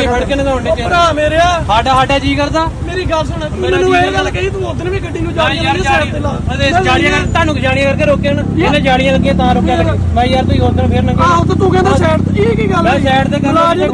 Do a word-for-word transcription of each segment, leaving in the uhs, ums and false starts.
ਧੱਕੇ ਫੜ ਕੇ ਨਗਾਉਣ ਦੇ ਭਰਾ ਮੇਰਿਆ ਸਾਡਾ ਸਾਡਾ ਜੀ ਕਰਦਾ ਮੇਰੀ ਗੱਲ ਸੁਣ ਮੈਨੂੰ ਇਹ ਗੱਲ ਕਹੀ ਤੂੰ ਉਦੋਂ ਵੀ ਗੱਡੀ ਨੂੰ ਜਾ ਯਾਰ ਜਾੜੀਆਂ ਕਰ ਤੁਹਾਨੂੰ ਜਾੜੀਆਂ ਕਰਕੇ ਰੋਕਿਆ ਨਾ ਇਹਨੇ ਜਾੜੀਆਂ ਲੱਗੀਆਂ ਤਾਂ ਰੋਕਿਆ ਲੱਗੇ ਮੈਂ ਯਾਰ ਤੂੰ ਉਦੋਂ ਫੇਰ ਨੰਗੇ ਆਹ ਤਾਂ ਤੂੰ ਕਹਿੰਦਾ ਸਾਈਡ ਇਹ ਕੀ ਗੱਲ ਮੈਂ ਸਾਈਡ ਤੇ ਕਰ ਗੱਡੀਆਂ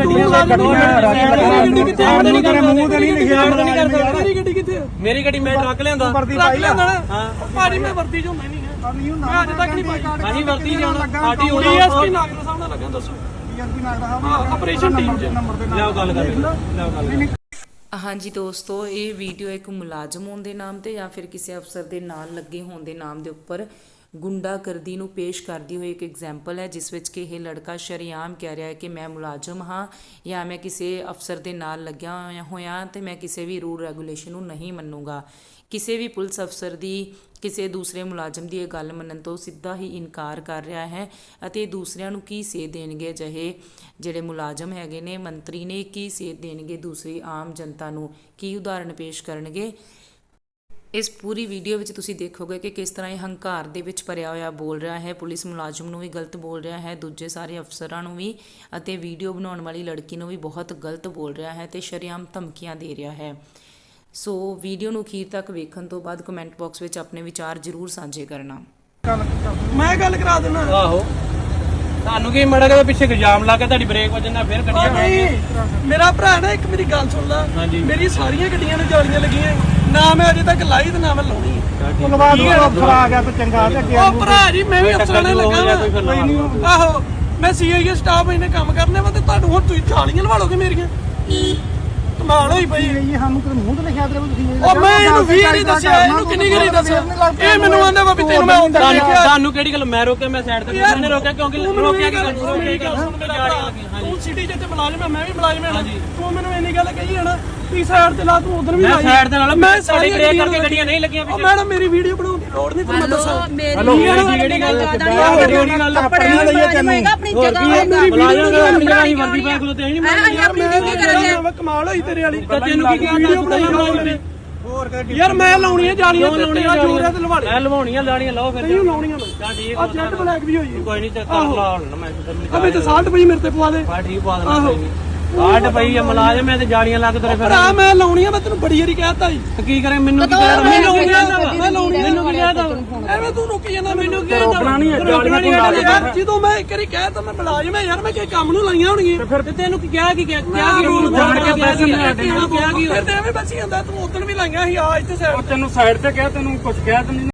ਗੱਡੀ ਕਿੱਥੇ ਨਹੀਂ ਕਰ ਮੂੰਹ ਤੇ ਨਹੀਂ ਲਿਖਿਆ ਮੇਰੀ ਗੱਡੀ ਕਿੱਥੇ ਮੇਰੀ ਗੱਡੀ ਮੈਂ ਟਰੱਕ ਲਿਆਂਦਾ ਟਰੱਕ ਲਿਆਂਦਾ ਨਾ ਭਾਜੀ ਮੈਂ ਵਰਤੀ ਚ ਹੁੰਦਾ ਨਹੀਂ ਹੈ ਮੈਂ ਅੱਜ ਤੱਕ ਨਹੀਂ ਪਾਈ ਅਸੀਂ ਵਰਤੀ ਜਾਣਾ ਸਾਡੀ ਉਹ ਡੀਐਸਪੀ ਨਾਗਰ ਸਾਹਿਬ ਨਾਲ ਲੱਗਾ ਦੱਸੋ ਡੀਐਸਪੀ ਨਾਗਰ ਸਾਹਿਬ ਆਪਰੇਸ਼ਨ ਟੀਮ ਚ ਲਿਆਓ ਗੱਲ ਕਰ ਲਿਆਓ ਗੱਲ ਹਾਂਜੀ ਦੋਸਤੋ, ਇਹ ਵੀਡੀਓ ਇੱਕ ਮੁਲਾਜ਼ਮ ਹੋਣ ਦੇ ਨਾਮ ਤੇ ਜਾਂ ਫਿਰ ਕਿਸੇ ਅਫਸਰ ਦੇ ਨਾਲ ਲੱਗੇ ਹੋਣ ਦੇ ਨਾਮ ਦੇ ਉੱਪਰ ਗੁੰਡਾਗਰਦੀ ਨੂੰ ਪੇਸ਼ ਕਰਦੀ ਹੋਈ ਇੱਕ ਐਗਜ਼ਾਮਪਲ ਹੈ, ਜਿਸ ਵਿੱਚ ਕਿ ਇਹ ਲੜਕਾ ਸ਼ਰੇਆਮ ਕਹਿ ਰਿਹਾ ਹੈ ਕਿ ਮੈਂ ਮੁਲਾਜ਼ਮ ਹਾਂ ਜਾਂ ਮੈਂ ਕਿਸੇ ਅਫਸਰ ਦੇ ਨਾਲ ਲੱਗਿਆ ਹੋਇਆ ਤੇ ਮੈਂ ਕਿਸੇ ਵੀ ਰੂਲ ਰੈਗੂਲੇਸ਼ਨ ਨੂੰ ਨਹੀਂ ਮੰਨੂਗਾ। ਕਿਸੇ ਵੀ ਪੁਲਿਸ ਅਫਸਰ ਦੀ ਕਿਸੇ ਦੂਸਰੇ ਮੁਲਾਜ਼ਮ ਦੀ ਇਹ ਗੱਲ ਮੰਨਣ ਤੋਂ ਸਿੱਧਾ ਹੀ ਇਨਕਾਰ ਕਰ ਰਿਹਾ ਹੈ ਅਤੇ ਦੂਸਰਿਆਂ ਨੂੰ ਕੀ ਸੇਧ ਦੇਣਗੇ ਅਜਿਹੇ ਜਿਹੜੇ ਮੁਲਾਜ਼ਮ ਹੈਗੇ ਨੇ, ਮੰਤਰੀ ਨੇ ਕੀ ਸੇਧ ਦੇਣਗੇ ਦੂਸਰੀ ਆਮ ਜਨਤਾ ਨੂੰ, ਕੀ ਉਦਾਹਰਣ ਪੇਸ਼ ਕਰਨਗੇ। ਇਸ ਪੂਰੀ ਵੀਡੀਓ ਵਿੱਚ ਤੁਸੀਂ ਦੇਖੋਗੇ ਕਿ ਕਿਸ ਤਰ੍ਹਾਂ ਇਹ ਹੰਕਾਰ ਦੇ ਵਿੱਚ ਭਰਿਆ ਹੋਇਆ ਬੋਲ ਰਿਹਾ ਹੈ, ਪੁਲਿਸ ਮੁਲਾਜ਼ਮ ਨੂੰ ਵੀ ਗਲਤ ਬੋਲ ਰਿਹਾ ਹੈ, ਦੂਜੇ ਸਾਰੇ ਅਫਸਰਾਂ ਨੂੰ ਵੀ ਅਤੇ ਵੀਡੀਓ ਬਣਾਉਣ ਵਾਲੀ ਲੜਕੀ ਨੂੰ ਵੀ ਬਹੁਤ ਗਲਤ ਬੋਲ ਰਿਹਾ ਹੈ ਤੇ ਸ਼ਰੇਆਮ ਧਮਕੀਆਂ ਦੇ ਰਿਹਾ ਹੈ। ਸੋ ਵੀਡੀਓ ਨੂੰ ਅਖੀਰ ਤੱਕ ਵੇਖਣ ਤੋਂ ਬਾਅਦ ਕਮੈਂਟ ਬਾਕਸ ਵਿੱਚ ਆਪਣੇ ਵਿਚਾਰ ਜ਼ਰੂਰ ਸਾਂਝੇ ਕਰਨਾ। ਮੈਂ ਗੱਲ ਕਰਾ ਦੇਣਾ। ਆਹੋ ਤੁਹਾਨੂੰ ਕੀ ਮੜਾ ਕੇ ਪਿੱਛੇ ਇਲਜ਼ਾਮ ਲਾ ਕੇ ਤੁਹਾਡੀ ਬ੍ਰੇਕ ਵੱਜਣ ਨਾਲ ਫੇਰ ਗੱਡੀਆਂ ਨਹੀਂ ਮੇਰਾ ਭਰਾ ਨਾ ਇੱਕ ਮੇਰੀ ਗੱਲ ਸੁਣ ਲੈ, ਮੇਰੀ ਸਾਰੀਆਂ ਗੱਡੀਆਂ ਨੂੰ ਜਾਲੀਆਂ ਲੱਗੀਆਂ ਨਾ ਮੈਂ ਅਜੇ ਤੱਕ ਲਾਈ ਤੇ ਨਾ ਮੈਂ ਲਾਉਣੀ ਹੈ। ਅਫਸਰ ਆ ਗਿਆ ਤੇ ਚੰਗਾ ਤੇ ਉਹ ਭਰਾ ਜੀ ਮੈਂ ਵੀ ਅਫਸਰਾਂ ਨਾਲ ਲੱਗਾ। ਆਹੋ ਮੈਂ ਸੀਆਈਏ ਸਟਾਫ ਇਹਨੇ ਕੰਮ ਕਰਨੇ ਵਾ ਤੇ ਤੁਹਾਨੂੰ ਹੁਣ ਤੁਸੀਂ ਜਾਲੀਆਂ ਲਵਾ ਲੋਗੇ ਮੇਰੀਆਂ। ਕਮਾਲ ਹੋਈ ਪਈ ਇਹ ਸਾਨੂੰ ਕਿਤੇ ਮੂੰਹ ਤੇ ਲਿਖਿਆ ਤੇ ਤੁਸੀਂ ਉਹ ਮੈਂ ਇਹਨੂੰ ਵੀ ਨਹੀਂ ਦੱਸਿਆ, ਇਹਨੂੰ ਕਿੰਨੀ ਗਰੀ ਦੱਸਿਆ। ਇਹ ਮੈਨੂੰ ਆਂਦਾ ਵਾ ਵੀ ਤੈਨੂੰ ਮੈਂ ਹੁੰਦਾ ਦੇਖਿਆ। ਤੁਹਾਨੂੰ ਕਿਹੜੀ ਗੱਲ ਮੈਂ ਰੋਕਿਆ, ਮੈਂ ਸਾਈਡ ਤੇ ਕਿਹਨੇ ਰੋਕਿਆ ਕਿਉਂਕਿ ਰੋਕਿਆ ਕੀ ਤੂੰ ਸਿਟੀ ਜਿੱਤੇ ਮੁਲਾਜ਼ਮ ਹੈ, ਮੈਂ ਵੀ ਮੁਲਾਜ਼ਮ ਹਾਂ। ਤੂੰ ਮੈਨੂੰ ਇੰਨੀ ਗੱਲ ਕਹੀ ਹੈ ਨਾ ਵੀ ਸਾਈਡ ਤੇ ਲਾ, ਤੂੰ ਉਧਰ ਵੀ ਮੈਂ ਸਾਈਡ ਤੇ ਲਾ, ਮੈਂ ਸਾਡੀ ਬ੍ਰੇਕ ਕਰਕੇ ਗੱਡੀਆਂ ਨਹੀਂ ਲੱਗੀਆਂ ਪਿੱਛੇ। ਮੈਡਮ ਮੇਰੀ ਵੀਡੀਓ ਬਣਾਉਣ ਦੀ ਲੋੜ ਨਹੀਂ, ਤੁਹਾਨੂੰ ਦੱਸਾਂ। ਹੈਲੋ ਕਿਹੜੀ ਗੱਲ ਕਿਹੜੀ ਗੱਲ ਆਪਣੀ ਲਈਏ ਤੈਨੂੰ ਆਪਣੀ ਜਗ੍ਹਾ ਮੁਲਾਜ਼ਮ ਜਗ੍ਹਾ ਹੀ ਵਰਦੀ ਪਾ ਕੇ ਤੇ ਨਹੀਂ ਮੈਂ ਕਮਾਲ ਹੋਈ ਤੇਰੇ ਵਾਲੀ। ਤੈਨੂੰ ਕੀ ਵੀਡੀਓ ਬਣਾਈ ਯਾਰ ਮੈਂ ਲਾਉਣੀ ਹੈ ਜਾਲੀਆਂ ਤੇ ਤੇਰਾ ਜੋਰ ਹੈ ਤੇ ਲਵਾ ਲੈ। ਮੈਂ ਲਵਾਉਣੀਆਂ ਲਾਣੀਆਂ ਲਾਓ ਫਿਰ ਨਹੀਂ ਲਾਉਣੀਆਂ ਮੈਂ। ਹਾਂ ਠੀਕ ਆ ਜੈਟ ਬਲੈਕ ਵੀ ਹੋਈ ਹੈ। ਕੋਈ ਨਹੀਂ ਚੱਕਰ ਲਾ ਲੈਣਾ ਮੈਂ ਅਬੇ ਤੇ ਸਾਲਟ ਪਈ ਮੇਰੇ ਤੇ ਪਵਾ ਦੇ। ਹਾਂ ਠੀਕ ਪਾ ਦੇਣਾ ਕੋਈ ਨਹੀਂ। ਕਾਟ ਪਈ ਆ ਮੁਲਾਜ਼ਮ ਮੈਂ ਤੇ ਜਾਲੀਆਂ ਲੱਗ ਤੇਰੇ ਫਿਰ ਭਰਾ ਮੈਂ ਲਾਉਣੀ ਆ, ਮੈਂ ਤੈਨੂੰ ਬੜੀ ਵਾਰੀ ਕਹਿਤਾ ਜੀ। ਕੀ ਕਰੇ ਮੈਨੂੰ ਕੀ ਕਹਿ ਮੈਨੂੰ ਕੀ ਕਹਿਦਾ ਮੈਂ ਲਾਉਣੀ ਮੈਨੂੰ ਕੀ ਕਹਿਦਾ ਐਵੇਂ ਤੂੰ ਰੁਕੀ ਜਾਂਦਾ। ਮੈਨੂੰ ਕੀ ਰੋਕਣਾ ਨਹੀਂ ਹੈ, ਰੋਕਣਾ ਨਹੀਂ ਹੈ ਯਾਰ। ਜਦੋਂ ਮੈਂ ਇੱਕ ਵਾਰੀ ਕਹਿਤਾ ਮੈਂ ਮੁਲਾਜ਼ਮ ਹੈ ਯਾਰ, ਮੈਂ ਕਿਸੇ ਕੰਮ ਨੂੰ ਲਾਈਆਂ ਹੋਣਗੀਆਂ। ਫਿਰ ਤੇ ਤੈਨੂੰ ਕੀ ਕਿਹਾ ਕੀ ਕਿਹਾ ਕੀ ਰੂਲ ਜਾਣ ਕੇ ਪੈਸੇ ਲੈ ਕੇ ਕਿਹਾ ਕੀ ਫਿਰ ਤੇ ਐਵੇਂ ਬਚੀ ਜਾਂਦਾ। ਤੂੰ ਉਦੋਂ ਵੀ ਲਾਈਆਂ ਸੀ ਆ ਇੱਥੇ ਸਾਈਡ ਤੈਨੂੰ ਸਾਈਡ ਤੇ ਕਿਹਾ, ਤੈਨੂੰ ਕੁਝ ਕਿਹਾ ਤੈਨੂੰ